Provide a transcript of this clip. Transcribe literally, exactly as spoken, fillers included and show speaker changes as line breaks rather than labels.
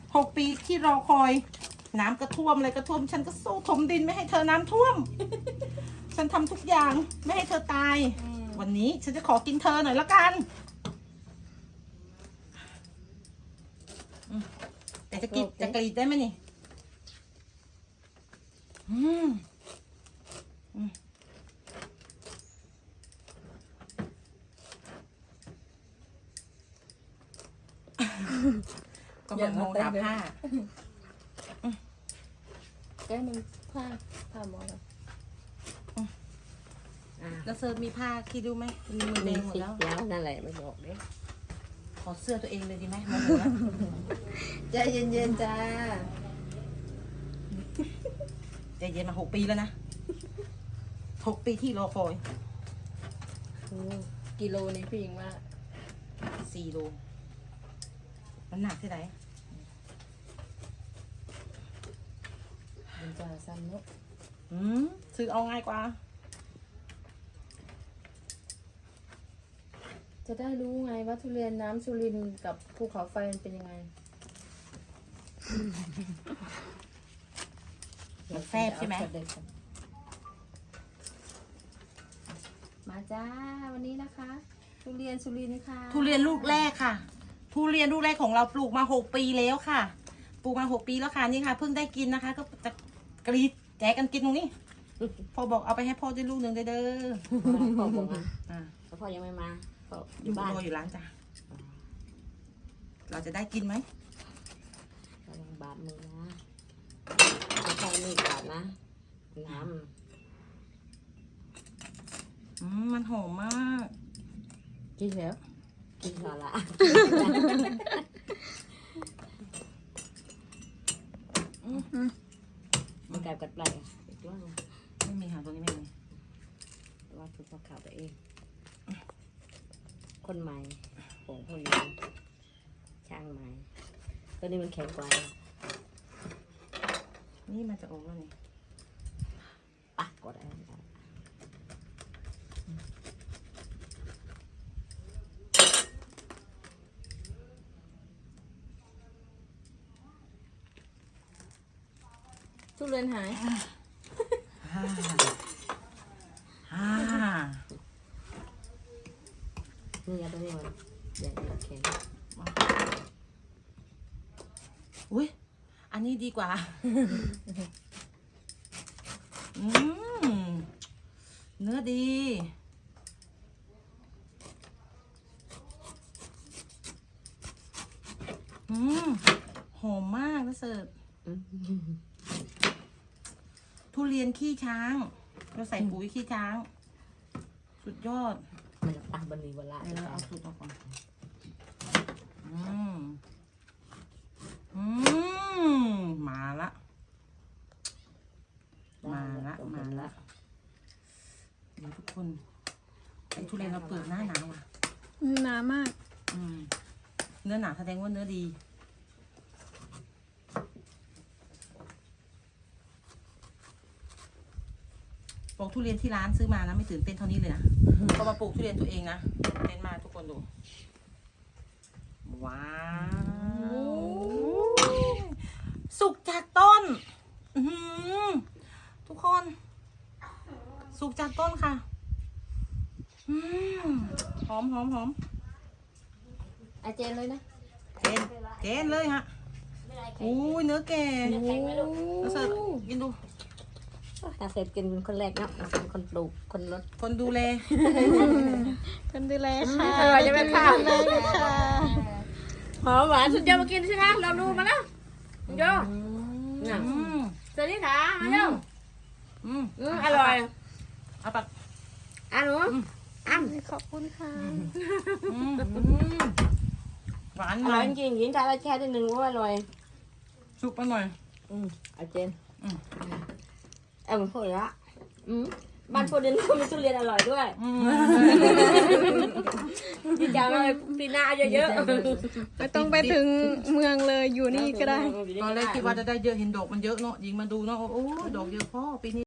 หกปีที่รอคอยน้ำกระท่วมอะไรกระท่วมฉันก็สู้ถมดินไม่ให้เธอน้ำท่วม ฉันทำทุกอย่างไม่ให้เธอตายวันนี้ฉันจะขอกินเธอหน่อยละกันแต่จะกินจะกรีดได้ไหมนี่อืมอืมก็แบบมองหาผ้า
แก้มึงผ้าผ้าหมอเลย
แล้วเซิร์ฟมีผ้าคิดดูไหมมีมือแดงหมดแล้ว
แล้วนั่นแหละไม่บอกเด้
ขอเสื้อตัวเองเลยดีไหมโมโห
ใจเย็นๆจ้า
ใจเย็นมาหกปีแล้วนะหกปีที่รอคอย
กิโลนี่พี่หญิงว่า
สี่โลมันหนักที่ไหน
มันจะซ้ำเนาะ
อืมซื้อเอาง่ายกว่า
จะได้รู้ไงว่าทุเรียนน้ำสุรินทร์กับภูเขาไฟมันเป็นยังไง
มันแฟบใช่ไหม
มาจ้าวันนี้นะคะทุเรียนสุรินทร์ค่ะ
ทุเรียนลูกแรกค่ะทุเรียนลูกแรกของเราปลูกมาหกปีแล้วค่ะปลูกมาหกปีแล้วค่ะนี่ค่ะเพิ่งได้กินนะคะก็จะกรีดแจกกันกินตรงนี้พ่อบอกเอาไปให้พ่อด้วยลูกหนึ่งเด้อ
พ่อบอก
อ่า
แล้วพ่อยังไม่มา
อยู่บ้านรออยู่ร้านจ้ะเราจะได้กินไหม
ระวังบาดมือนะไม่ใช่มีดบาดนะน้ำ
อืมมันหอมมาก
กินแล้วกินพอละมันกลายกัดปลายอีกรอบ
ไม่มีหางตัวนี้ไม่มี
ว่าถูกพอข่าวตัวเองคนใหม่โป่งคนนี้ช่างใหม่ตัวนี้มันแข็งกว่า
นี่มันจะออกแล้วนี่
ปักกดอะไรทุเรียนหาย
ฮ่าฮ่า
นี่ยาตัวนี้มันใหญ่แข็ง
อุ้ยอันนี้ดีกว่าอืมเนื้อดีอืมหอมมากนะเสิร์ฟทุเรียนขี้ช้างเราใส่ปุ๋ยขี้ช้างสุดยอด
มันจะตั้งบนนี้เวลา
เดี๋ยวเราเอาสูตรออกก่อนอืมอืมมาละมาละมาละเดี๋ยวทุกคนไอ้ทุเรียนเราเปลือกหน้าหนาวอ่ะ
หนามาก
อืมเนื้อหนาแสดงว่าเนื้อดีปลูกทุเรียนที่ร้านซื้อมานะไม่ตื่นเต้นเท่านี้เลยนะพอมาปลูกทุเรียนตัวเองนะเต้นมาทุกคนดูว้าวสุกจากต้นทุกคนสุกจากต้นค่ะหอมหอมหอม
อาเจนเลยนะ
เจนเจนเลยฮะอู้ยเนื้อแก่แล้วเสร็จกินดู
ตาเสร็จกินเป็นคนแรกเนาะเป็นคนปลูกคนรถ
คนดูแล
คนดูแลค่ะ
อร่อยจะเป็นข้าวเลยค่ะหอมหวานสุดยอดมากินใช่ไหมเราดูมาแล้วโย่สวัสดีค่ะมาโย่
อืม
อร่อย
เอาปัก
อ่ะหนูอ่ะ
ขอบคุณค่ะ
หวาน
อร่อยจริงๆยินใจเราแช่ได้หนึ่งว่าอร่อย
สุกไปหน่อย
อืมอาเจนอืมเออพูดละอืมบ้านพูดเรียนมีทุเรียนอร่อยด้วยดีจังเลยปีหน้าเยอะ
ๆไม่ต้องไปถึงเมืองเลยอยู่นี่ก็ได้
ตอนแรกคิดว่าจะได้เยอะเห็นดอกมันเยอะเนาะยิงมาดูเนาะโอ้ดอกเยอะพ่อปีนี้